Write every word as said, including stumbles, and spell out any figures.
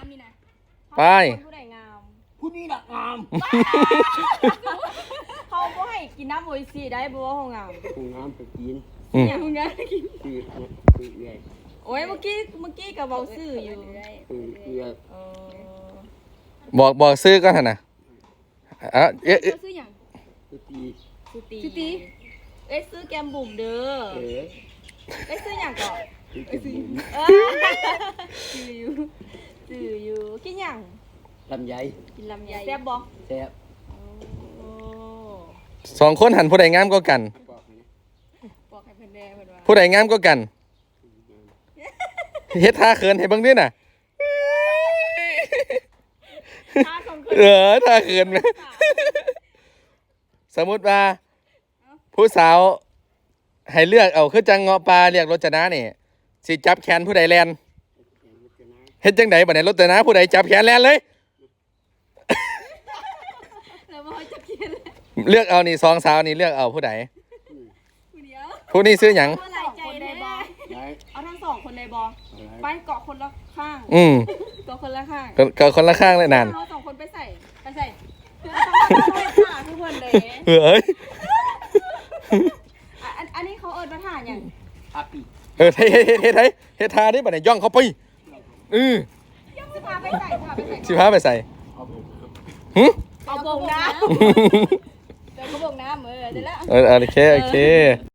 ามนี่นะไปผู้ใดงามผู้นี้น่ะงามเขาบ่ให้กินน้ำโออิซีได้บ่ว่าเขางามผู้งามไปกินอืมอย่างงามกินคือคือเอื้อยโอ้ยเมื่อกี้เมื่อกี้กับเบาซื่ออยู่คือเอื้อยเออบอกบอกซื้อก่อนเถอะนะอ่ะเอ๊ะเอ๊ะเจ้าซื้อหยังคือตีสุตีสุตีเอ้ยซื้อแกมบุ๋มเด้อเอ๋เอ้ยซื้อหยังก่อนคือกินหมูเออซื้ออยู่ซื้ออยู่กินหยังลำไยกินลำไยแซ่บบ่แซ่บโอ้สองคนหันผู้ใดงามก็กันบอกให้นะบอกให้เพิ่นแน่เพิ่นว่าผู้ใดงามก็กันเฮ็ดท่าเขินให้เบิ่งด้วยน่ะถ้าสองคนเออท่าเขินไหมสมมุติว่า ผู้สาวให้เลือกเอาคือจังเงาะปลาเรียกรจนานี่สิจับแขนผู้ใดแลนเฮ็ดจังไดบัดนี้รจนาผู้ใดจับแขนแลนเลยแล้วบ่จะกินเลยเลือกเอานี่สองสาวนี่เลือกเอาผู้ใดผู้เดียวผู้นี้ซื้อหยังเมื่อไหร่ใจได้บ่ได้เอาทั้งสองคนได้บ่ไปเกาะคนละข้างอืมเกาะคนละข้างก็ก็คนละข้างเลยนั่นเอาสองคนไปใส่ไปใส่ต้องมาช่วยถ่าทุกคนเลยเอ้ยอ่ะอันอันนี้เขาเอิญมาถ่าอย่างอาปีเออเฮ็ดเฮ็ดเฮ็ดเฮ็ดเฮ็ดเฮ็ดท่านี่บัดนี้ย่องเข้าไปอือสิพาไปใส่พาไปใส่สิพาไปใส่เอาไปหึเอาบงน้ำเดี๋ยวเขาบงน้ำเออเดี๋ยวแล้วเออโอเคโอเค